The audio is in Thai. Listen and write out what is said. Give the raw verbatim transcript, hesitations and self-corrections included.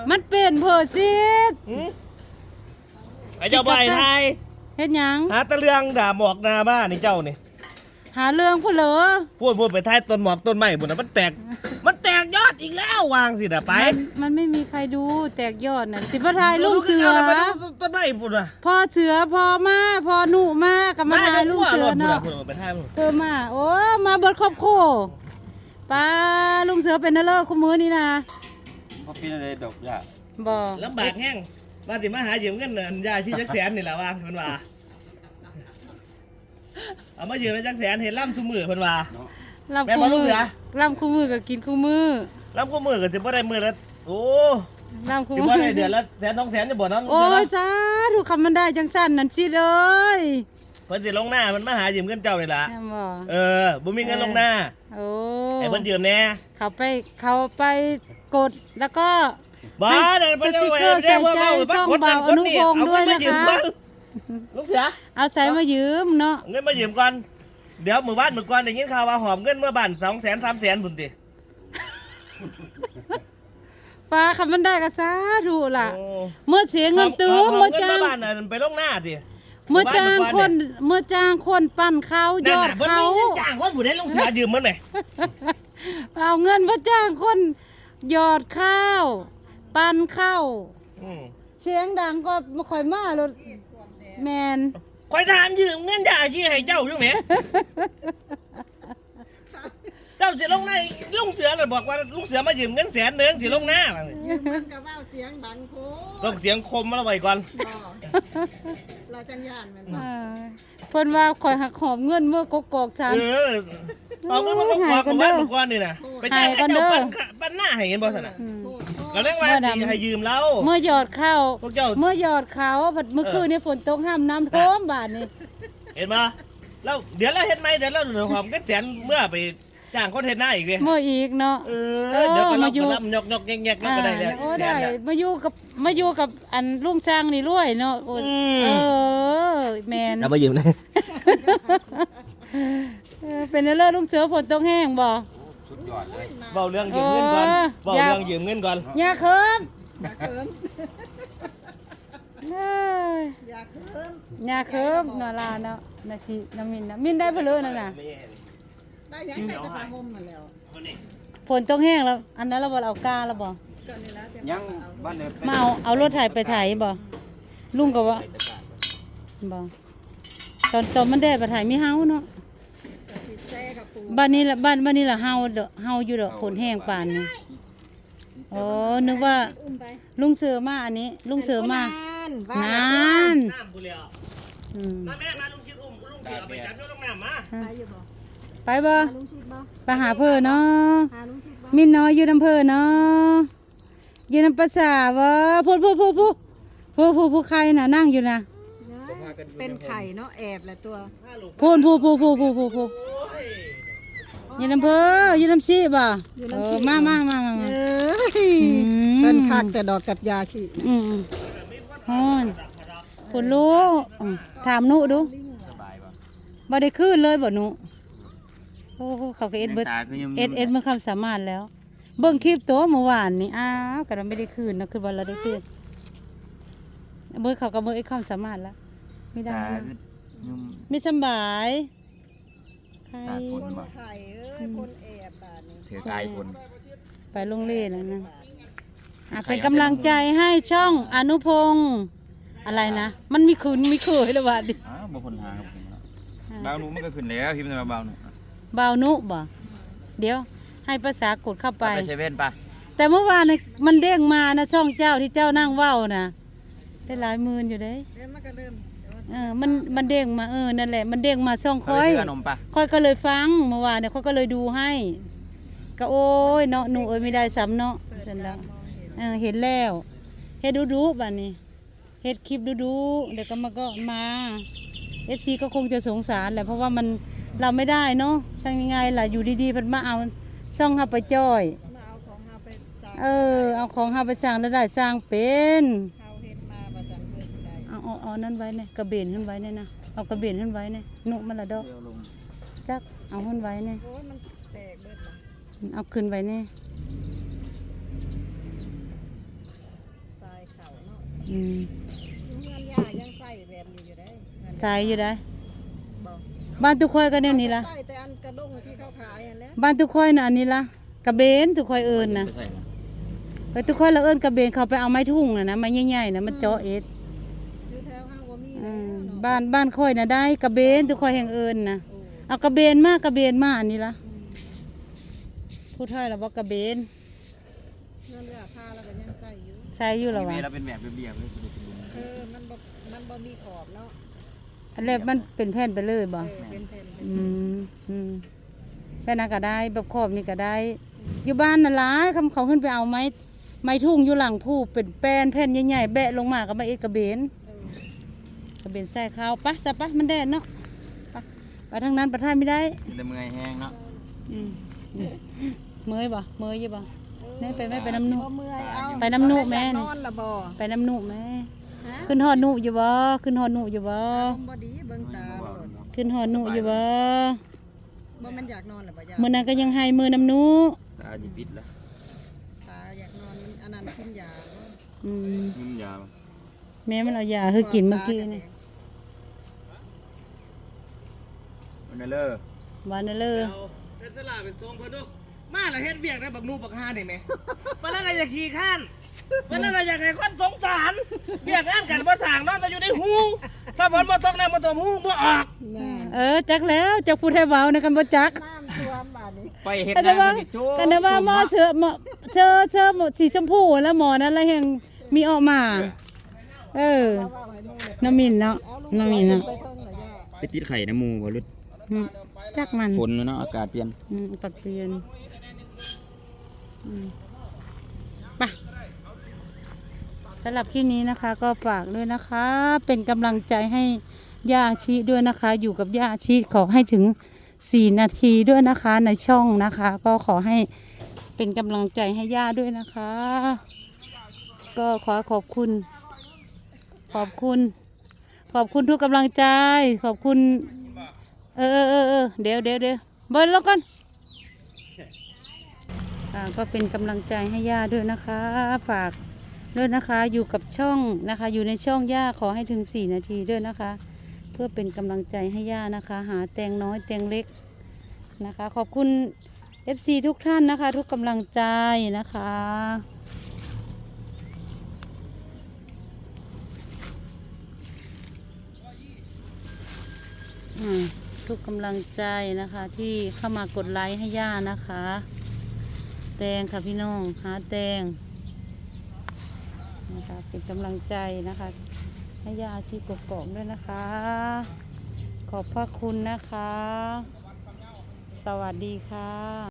มันเป็นเพิดซิดไอ้เจ้าใบไทยเฮ็ดหยังหาตะเลืองด่าหมอกนาบ้านนี่เจ้านี่หาเรื่องผู้เหรอพูดพูดไปท้ายต้นหมอกต้นไม้บุญนะมันแตกมันแตกยอดอีกแล้ววางสิน่ะไปมันมันไม่มีใครดูแตกยอดน่ะสิบ่ทายลุงเสือต้นไม้บุญอ่ะพ่อเสือพ่อมาพ่อหนูมากับมาทายลุงเสือเนาะไปท้ายมึงเออมาโอ้มาเบิดครอบครัวป้าลุงเสือเป็นนเลิกคู่มือนี่นะบ่เป็นอะไรดอกจ้ะบ่ลำบากแห้งมาสิมาหายืมเงินอันยาชีจักแสนนี่แหละว่าเพิ่นว่าเอามายืมแล้วจักแสนเห็นล่ำทุกมือเพิ่นว่าลำแม่นคู่บ่ลุมืงอเสือลำคู่มือก็กินคู่มือล่ำทุกมือก็สิบ่ได้มือละโอ้ลำคู่สิมืบ่ได้เดือนละแสนสองแสนจะบ่เนาะโอ้ยสาธุคำมันได้จังสั่นนั่นสิเอ้ยเพิ่นสิลงหน้ามันมาหายืมเงินเจ้านี่ล่ะแม่นบ่เออบ่มีเงินลงหน้าโอ้ให้เพิ่นยืมแน่เขาไปเขาไปกดแล้วก็บ้าเดี๋ยวสติ๊กเกอร์ใส่ใจช่องเบาอนุพงศ์ด้วยนะคะลูกเสือเอาใส่มายืมเนาะเงินมายืมก่อนเดี๋ยวมือบ้านมือก่อนได้ยินข่าวว่าหอมเงินเมื่อบ้านสองแสนสามแสนบุญติป้าคำมันได้ก็สาธุล่ะเมื่อเสียเงินตื้อเมื่อจ้างบ้านไปลงหน้าดิเมื่อจ้างคนเมื่อจ้างคนปั้นเขายอดเขาจ้างคนผู้ใดลงเสือยืมมันไหมเอาเงินเมื่อจ้างคนยอดข้าวปั้นข้าวเสียงดังก็ไม่ค่อยมาเลยแมนคอยถามยืมเงินยาชีให้เจ้าอยู่ไหมเจ้าสิลงหน้าลุงเสือเลยบอกว่าลุงเสือมายืมเงินแสนหนึ่งสิลงหน้ายืมมันกับว่าเสียงดังโคต้องเสียงคมมาไว้ก่อนเราจังยานมันเออเพิ่นว่าข่อยหักหอมเงินเมื่อกกอกสามเออเอาเงินมาบอกก่อนบ้านมือก่อนนี่นะไปจ่ายให้เจ้าปั้นหน้าให้เห็นบ่สนะอืมก็เรื่องว่าสิให้ยืมเราเมื่อหยอดข้าวพวกเจ้าเมื่อหยอดเขาบัดเมื่อคืนนี่ฝนตกห้ามน้ำท่วมบาดนี่เห็นปะแล้วเดี๋ยวเราเห็นไหมเดี๋ยวเราเดือดหอมก็แสนเมื่อไปจ้างคนเห็นหน้าอีกเลยเมื่ออีกเนาะเออเดี๋ยวก็รับก็รับยกยกแยกแยกก็ได้แล้วโอ้ได้มาอยู่กับมาอยู่กับอันลุงจ้างนี่รวยเนาะโอ้เออแมนเอามายืมเลยเออเป็นเรื่องลุงเสือฝนตกแห้งบ่สุดยอดเลยเบาเรื่องยืมเงินก่อนเบาเรื่องยืมเงินก่อนอย่าเคิมอยากเคิมเอ้ยอยากเคิมอย่าเคิมเนาะลาเนาะนาทีน้ำมินนะมินได้เพลือนั่นน่ะได้ยังได้แต่ผ้าห่มมาแล้วฝนตกแห้งแล้ว อันนั้นเราบ่เอากาแล้วบ่ก็นี่แล้วจะยังบ้านเนี่ยมาเอาเอารถไถไปไถบ่ลุงก็ว่าบ่ตอนตอนมันแดดไปไถมีเฮาเนาะสิแซ่กับปูบ้านนี้ละบ้านบ้านนี้ละเฮาเด้อเฮาอยู่ดอกฝนแห้งปานนี้โอ้นึกว่าอุ้มไปลุงเสือมาอันนี้ ลุงเสือมานานนานน้ำกูเลี้ยวอืมมาแม่มาลุงชิดอุ้มลุงเกี่ยวไปจับยกน้ำมาไปอยู่บ่ไปบ่หาลุงชิดบ่ไปหาเพิ่นเนาะหาลุงชิดบ่มินน้อยอยู่น้ำเพิ่นเนาะอยู่น้ำภาษาบ่พูดพูดพูดพูดพูดพูดพูดใครน่ะนั่งอยู่น่ะเป็นไข่เนาะแอบแหละตัวพูดพูดพูดพูดพูดพูดพูดโอ้ยอยู่น้ำเพิ่นอยู่น้ำชีบ่เออมามามามาเอมา้ยมเป็นคักแต่ดอกกับยาชีอืมฮอนคุณลูกอืมถามหนูดูสบายป่ะบ่ได้คืนเลยบ่หนูโอ้โหเขาก็เอ็ดเบิดตาคือยังเอ็ดเอ็ดมันความสามารถแล้ว เบิ่งคลิปตัวเมื่อวานนี่อ้าวก็ไม่ได้คืนนะคือบ่เราได้คืนเบิ่งเขาก็เบิ่งไอ้ความสามารถแล้วไม่ได้ตานะคือยุ่มไม่สำบายใครตาฝคน นไข่เอ้ยคนแอบบาดนี้ถือกายฝนไปโรงเรียนแล้วนะอ่ะเป็นกำลังใจให้ช่องอนุพงศ์อะไรนะ มันมีคืนมีเคยแล้วว่าดิอ้าวบ่คนหาครับผมเนาะบางหนูมันก็ขึ้นแล้วพิมพ์มาบางหนูเบานุบ่เดี๋ยวให้ภาษากดเข้าไปไปเซเว่นป่ะแต่เมื่อวานน่ะมันเด้งมานะช่องเจ้าที่เจ้านั่งเว้านะได้หลายหมื่นอยู่เด้เริ่มมันก็เริ่มเออมันมันเด้งมาเออนั่นแหละมันเด้งมาช่องเขาค่ไปอยซื้อขนมป่ะค่อยก็เลยฟังเมื่อวานเนี่ยค่อยก็เลยดูให้ ก็โอ้ยเนาะหนูเอ้ยไม่ได้ซ้ำเนาะเปิดเสร็จตาแล้วมองเห็นเออเห็นแล้วเฮ็ดดูดูๆบัดนี้เฮ็ดคลิปดูดูๆเดี๋ยวก็มาก็มาเอฟซีก็คงจะสงสารแหละเพราะว่ามันเราไม่ได้เนาะทำยังไงล่ะอยู่ดีๆมันมาเอาซ่องเฮาไปจ้อยมาเอาของเราไปสั่งเออเอาของเฮาไปสร้างแล้วได้สร้างเป็นเขาเฮ็ดมาประจันเพื่อสิได้เอาเอาเอานั่นไว้เนี่ยกระเบนขึ้นไว้เนี่ยนะเอากระเบนขึ้นไว้เนี่ยนุมันละดอกเดี๋ยวลงจักเอาขึ้นไว้เนี่ยโอ้ยมันแตกเบิดละเอาขึ้นไว้เนี่ยอืมเงินย่ายังใส่แบบนี้อยู่ได้เงินใส่อยู่ได้บอกบ้านทุกค่อยก็แนวนี้ล่ะใส่แต่อันกระด้งที่เขาขายอันแล้วบ้านทุกค่อยน่ะอันนี้ล่ะกระเบนทุกค่อยเอิ้นน่ะไปใส่นะไปทุกค่อยละเอิ้นกระเบนเขาไปเอาไม้ทุ่งน่ะนะไม้ใหญ่ๆน่ะมันเจาะเอ็ดอยู่แถวห้างว่ามีอืแล้วมเนาะบ้านบ้านค่อยน่ะได้กระเบนทุกค่อยแห่งเอิ้นน่ะโอ้เอากระเบนมากระเบนมาอันนี้ล่ะอืมผู้ไทยล่ะบ่กระเบนเงินย่าค่าแล้วก็ยังใส่อยู่ใช้อยู่ล่ะเมวะย์เราเป็นแบบเบียบๆเลยคือเป็นเออมันบ่มันบ่มีขอบเนาะอันแรกมันเป็นแผ่นไปเลยบ่เออเป็นแผ่นเป็นอืมอืมแค่นั้นก็ได้แบบครอบนี่ก็ได้ อยู่บ้านน่ะหลายคำเขาขึ้นไปเอาไม้ไม้ทุ่งอยู่หลังผู้เป็นแป้นแผ่นใหญ่ๆแบะลงมาก็มาเอ็ดกระเบนเออกระเบนใส่ข้าวปะซะปะมันแดดเนาะไปไปทางนั้นประทานไม่ได้แต่เมื่อยแห้งเนาะอืมอืมเมยบ่เมยอยู่บ่ แม่ไปแม่ไปน้ำนุบ่เมื่อยเอาไปน้ำนุแม่นอนละบ่ไปน้ำหนุแม่ฮะขึ้นหอดหนุอยู่บ่ขึ้นหอดหนุอยู่บ่อารมณ์บ่ดีเบิ่งตาโลดขึ้นหอดหนุอยู่บ่บ่แมันอยากนอนละบ่ย่ามื้อนั้นก็ยังให้มือน้ำหนุตาจิปิดแล้วตาอยากนอนมันอันนั้นกินยาบ่อืมมึงยาแม่มันเอายาให้กินเมื่อกี้นี่มันเลอวานเลอเอาเป็นสลาเป็นทรงเพิ่นดูมาแล้วเฮ็ดเวียกได้บักนูบักฮาได้ไหมวันนั้นเราอยากขี่ข้านวันนั้นเราอยากให้คนสงสารเวียกงานกันบ่สร้างเนาะแต่อยู่ในหูถ้าฝนบ่ตกน้ำบ่ตกหูบ่ออกน่ะเออจักแล้วจักพูดให้เว้าในกันบ่จักน้ำท่วมบาดนี้ไปเฮ็ดกันนาว่ามันโจ้กันว่าหมอเสือหมอเชอเชอหมอสีชมพูแล้วหมอนั้นแล้วยังมีออกมา เออเอาว่าไว้นู่นเลยน้ำมินเนาะเอาลูกน้ำมินเนาะไปเพิ่งเหรอย่าไปติดไข่น้ำมูบ่ลุดอืมจักมันฝนเนาะอากาศเปลี่ยนอืมตัดเปลี่ยนอืมไปสำหรับคลิปนี้นะคะ ก็ฝากด้วยนะคะ เป็นกำลังใจให้ย่าชีด้วยนะคะ อยู่กับย่าชีขอให้ถึงสี่นาทีด้วยนะคะในช่องนะคะ ก็ขอให้เป็นกำลังใจให้ย่าด้วยนะคะ ก็ขอขอบคุณ ขอบคุณ ขอบคุณทุกกำลังใจ ขอบคุณ เออเออเออเออเดี๋ยวเดี๋ยวเดี๋ยวเบิร์นแล้วกันอ่าก็เป็นกำลังใจให้ย่าด้วยนะคะ ฝากด้วยนะคะ อยู่กับช่องนะคะ อยู่ในช่องย่าขอให้ถึงสี่นาทีด้วยนะคะ เพื่อเป็นกำลังใจให้ย่านะคะ หาแตงน้อยแตงเล็กนะคะ ขอบคุณ เอฟ ซี ทุกท่านนะคะ ทุกกำลังใจนะคะอืมทุกกำลังใจนะคะ ที่เข้ามากดไลค์ให้ย่านะคะ แตงค่ะพี่น้องหาแตงนะคะเป็นกำลังใจนะคะ ให้ย่าชีกกอกด้วยนะคะ ขอบพระคุณนะคะ สวัสดีค่ะ